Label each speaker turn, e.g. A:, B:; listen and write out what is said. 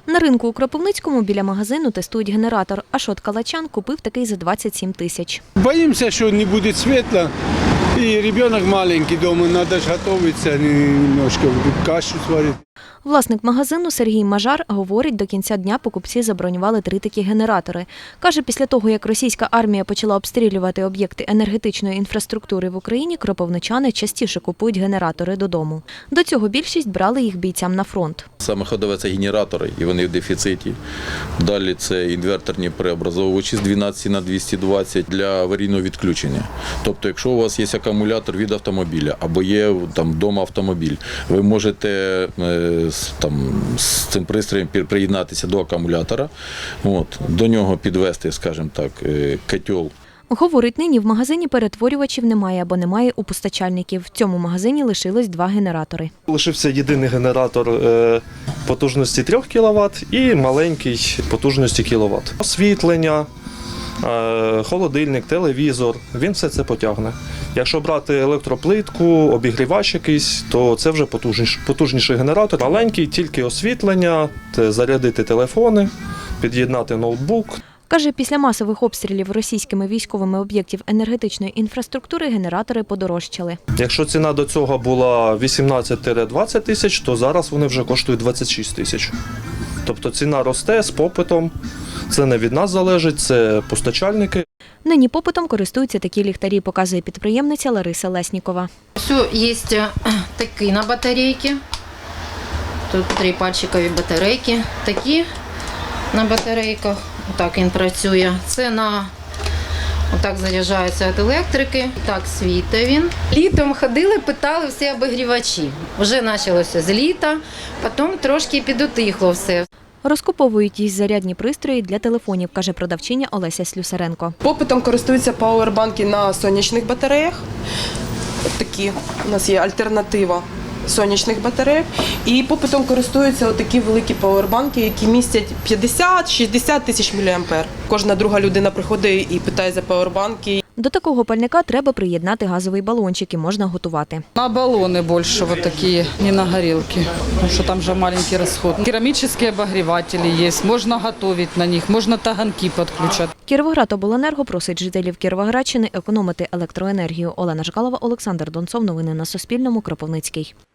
A: На ринку у Кропивницькому біля магазину тестують генератор, а Шот Калачан купив такий за 27 тисяч.
B: Боимся, что не будет светла, и ребенок маленький дома, надо же готовиться, немножко кашу сварить.
A: Власник магазину Сергій Мажар говорить, до кінця дня покупці забронювали 3 такі генератори. Каже, після того, як російська армія почала обстрілювати об'єкти енергетичної інфраструктури в Україні, кропивничани частіше купують генератори додому. До цього більшість брали їх бійцям на фронт.
C: Саме ходове – це генератори, і вони в дефіциті. Далі це інверторні преобразовувачі з 12 на 220 для аварійного відключення. Тобто, якщо у вас є акумулятор від автомобіля або є там вдома автомобіль, ви можете з цим пристроєм приєднатися до акумулятора, до нього підвести, скажімо так, котел.
A: Говорить, нині в магазині перетворювачів немає або немає у постачальників. В цьому магазині лишилось 2 генератори.
D: Лишився єдиний генератор потужності 3 кВт і маленький потужності кВт. Освітлення, холодильник, телевізор, він все це потягне. Якщо брати електроплитку, обігрівач якийсь, то це вже потужніший генератор. Маленький, тільки освітлення, зарядити телефони, під'єднати ноутбук.
A: Каже, після масових обстрілів російськими військовими об'єктів енергетичної інфраструктури генератори подорожчали.
D: Якщо ціна до цього була 18-20 тисяч, то зараз вони вже коштують 26 тисяч. Тобто ціна росте з попитом, це не від нас залежить, це постачальники.
A: Нині попитом користуються такі ліхтарі, показує підприємниця Лариса Леснікова.
E: Все, є такі на батарейки, тут 3 пальчикові батарейки, такі на батарейках, отак він працює. Це отак заряджається від електрики, так світить він. Літом ходили, питали всі обігрівачі. Вже почалося з літа, потім трошки підутихло все.
A: Розкуповують їй зарядні пристрої для телефонів, каже продавчиня Олеся Слюсаренко.
F: Попитом користуються пауербанки на сонячних батареях. Такі у нас є альтернатива сонячних батарей. І попитом користуються такі великі пауербанки, які містять 50-60 тисяч мА. Кожна друга людина приходить і питає за пауербанки.
A: До такого пальника треба приєднати газовий балончик і можна готувати.
G: На баллоны больше вот такие, не на горелки, потому что там же маленький расход. Керамические обогреватели есть, можно готовить на них, можно таганки подключать.
A: Кіровоградобленерго просить жителів Кіровоградщини економити електроенергію. Олена Жкалова, Олександр Донцов. Новини на Суспільному. Кропивницький.